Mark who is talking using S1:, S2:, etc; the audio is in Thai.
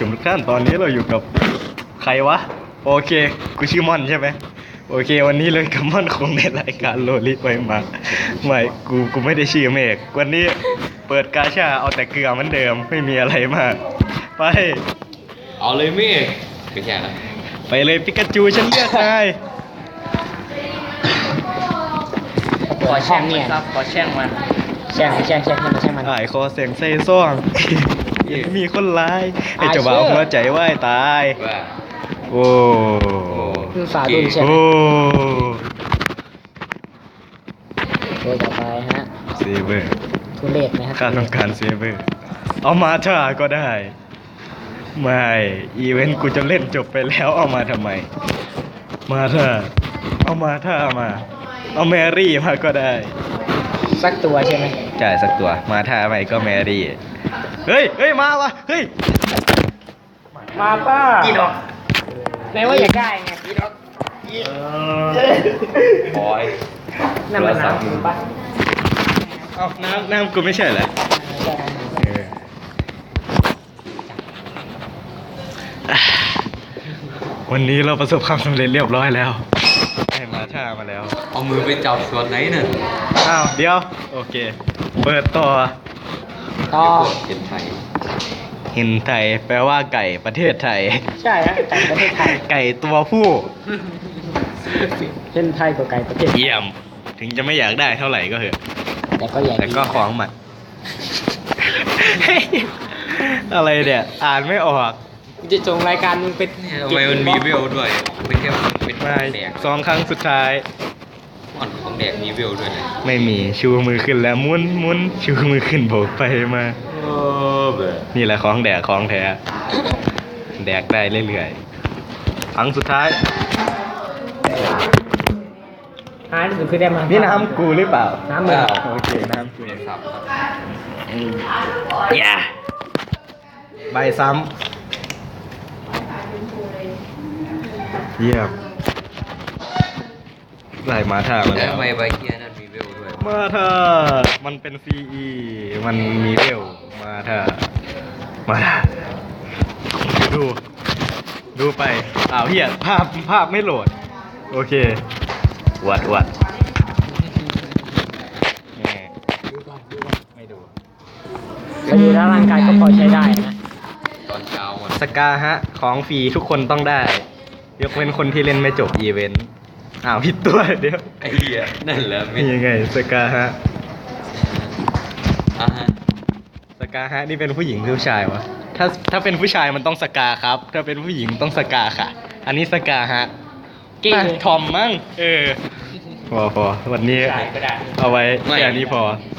S1: มทุกท่านตอนนี้เราอยู่กับใครวะโอเคกูชื่อม่อนใช่ไหมโอเควันนี้เลยกับม่อนคงในรายการโลลิไปมาไม่กูไม่ได้ชื่อเมฆวันนี้เปิดกาชาเอาแต่เกลือเหมือนเดิมไม่มีอะไรมากไป
S2: เอาเลยเมฆไม่ใช่ละ
S1: ไปเลยปิกาจูฉันเลือกนาย
S3: ขอแช่งมันครับขอแช่งมันแช่งมันแช่งมัน
S1: หายคอเสียงเซ่ซ่องมีคนร้ายไอ้เจ้าบ่าวหัวใจไหวตาย
S2: ว่า
S1: โอ้
S3: คือฝาดุนใช่ไหม
S1: โอ้
S3: ตัวต่อไปฮะ
S1: เซเวอร์
S3: ทุเรศนะครับ
S1: ข้าต้องการเซเวอร์เอามาท่าก็ได้ไม่อีเวนต์กูจะเล่นจบไปแล้วเอามาทำไมมาท่าเอามาท่ามาเอาแมรี่มาก็ได้
S3: สักตัวใช่ไหม
S1: จ่ายสักตัวมาท่าใหม่ก็แมรี่เฮ้ยมาวะเฮ้ย
S3: มาป้ากี่ดอกแม้ว่าอยากได้ไงกี่ดอก
S2: บอย
S3: น้ำมันน้ำป่ะ
S1: เอาน้ำกูไม่ใช่เหรอวันนี้เราประสบความสำเร็จเรียบร้อยแล้วให้มาท่ามาแล้ว
S2: เอามือไปจับส่วนไหนน่ะ
S1: อ้าวเดี๋ยวโอเคเปิดต่อ
S2: เห็นไทย
S1: เห็นไทยแปลว่าไก่ประเทศไทย
S3: ใช่ฮะไก่ประเทศไทย
S1: ไก่ตัวผู้
S3: เห็นไทยกับไก่ประเทศ
S1: เยี่ยมถึงจะไม่อยากได้เท่าไหร่ก็เถอะ
S3: แต่ก็
S1: ของมัน อะไรเนี่ยอ่านไม่ออก
S3: จะจงรายการมึงเป็น
S2: ทำไมมันมีเวลด้วยไม่แค่เป็นแดก
S1: 2 ครั้งสุดท้าย
S2: อ่อนของแดกมีเวลด้วยนะ
S1: ไม่มีชูมือขึ้นแล้วมุนชูมือขึ้นโบกไปมานี่แหละของแดกของแท้แดกได้เรื่อยๆครั้งสุดท้าย
S3: หายสุดคือได้มา
S1: นี่น้ำกูหรือเปล่า
S3: น้ำมึง
S1: โอเคน้ำกู
S2: ครับ
S1: อย่าใบซ้ำเยี่ยมไล่มาท่ามาแล้ว
S2: ใบเกียร์นั่นมีเวลด้วย
S1: มาท่ามันเป็น CE มันมีเวลมาท่าดูไปอ้าวเฮียภาพไม่โหลดโอเควัดไม่ดู
S3: ก็ดูแล้วร่างกายก็พอใช้ได้นะ
S2: ตอนเช้า
S1: สกาฮะของฟรีทุกคนต้องได้ยกเว้นคนที่เล่นไม่จบอีเวนต์อ้าวผิดตัวเดี๋ยว
S2: ไอ้เหี้ยนั่นแหละ
S1: นี่ยังไงสกาฮะ
S2: ฮะ
S1: สกาฮะนี่เป็นผู้หญิงหรือผู้ชายวะถ้าเป็นผู้ชายมันต้องสกาครับถ้าเป็นผู้หญิงต้องสกาค่ะอันนี้สกาฮะ
S3: เก่ง
S1: ทอมมั้งพอวันนี้เอาไว้แค่นี้พอ